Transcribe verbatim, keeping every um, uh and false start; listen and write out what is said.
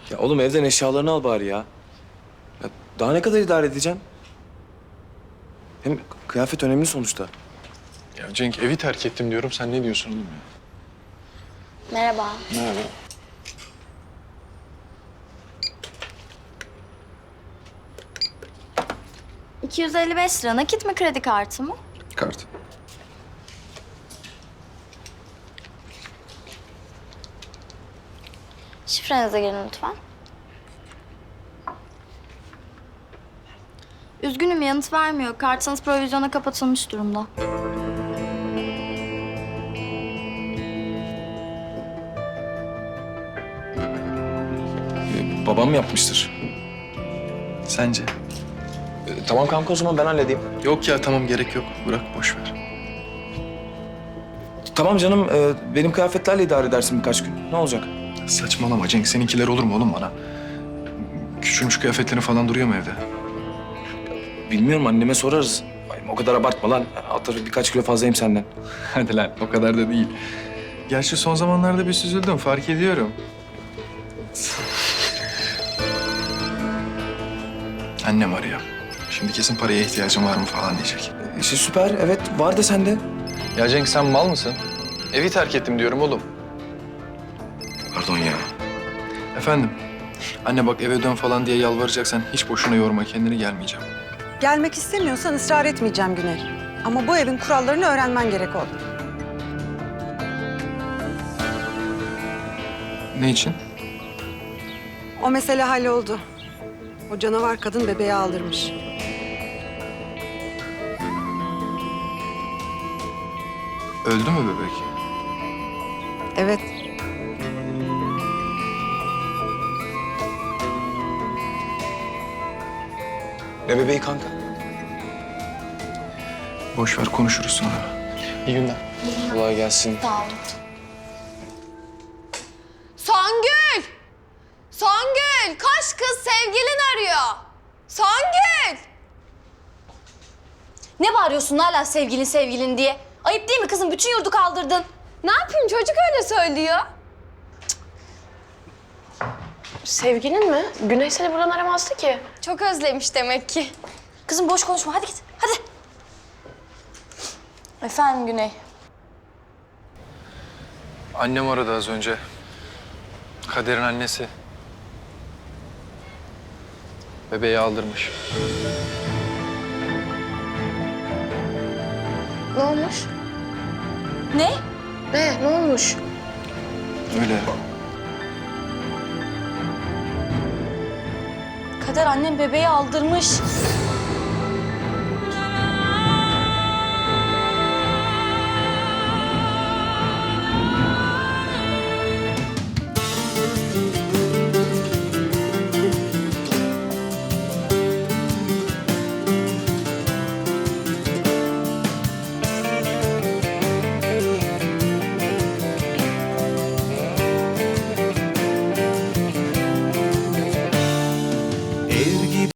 Ya oğlum evden eşyalarını al bari ya. Ya daha ne kadar idare edeceksin? Hem kıyafet önemli sonuçta. Ya Cenk evi terk ettim diyorum. Sen ne diyorsun oğlum ya? Merhaba. Merhaba. iki yüz elli beş lira nakit mi kredi kartı mı? Kart. Şifrenize girin lütfen. Üzgünüm yanıt vermiyor. Kartınız provizyona kapatılmış durumda. Ee, babam mı yapmıştır? Sence? Ee, tamam kanka o zaman ben halledeyim. Yok ya tamam gerek yok. Bırak boş ver. Tamam canım e, benim kıyafetlerle idare edersin birkaç gün. Ne olacak? Saçmalama Cenk. Seninkiler olur mu oğlum bana? Küçülmüş kıyafetlerin falan duruyor mu evde? Bilmiyorum anneme sorarız. Ay, o kadar abartma lan. Atarı birkaç kilo fazlayım senden. Hadi lan o kadar da değil. Gerçi son zamanlarda bir süzüldüm fark ediyorum. Annem arıyor. Şimdi kesin paraya ihtiyacım var mı falan diyecek. İşte süper evet var da sende. Ya Cenk sen mal mısın? Evi terk ettim diyorum oğlum. Pardon ya. Efendim? Anne bak eve dön falan diye yalvaracaksan hiç boşuna yorma kendini, gelmeyeceğim. Gelmek istemiyorsan ısrar etmeyeceğim Güney. Ama bu evin kurallarını öğrenmen gerek oğlum. Ne için? O mesele halloldu. O canavar kadın bebeği aldırmış. Öldü mü bebek? Evet. Ne bebeği kanka? Boş ver konuşuruz sonra. İyi günler. Kolay gelsin. Tamam. Songül! Songül! Koş kız, sevgilin arıyor. Songül! Ne bağırıyorsun hala sevgilin sevgilin diye? Ayıp değil mi kızım? Bütün yurdu kaldırdın. Ne yapayım, çocuk öyle söylüyor. Sevgilin mi? Güney seni buradan aramazdı ki. Çok özlemiş demek ki. Kızım boş konuşma. Hadi git. Hadi. Efendim Güney. Annem aradı az önce. Kader'in annesi. Bebeği aldırmış. Ne olmuş? Ne? Ne? Ne olmuş? Öyle. Kader annem bebeği aldırmış.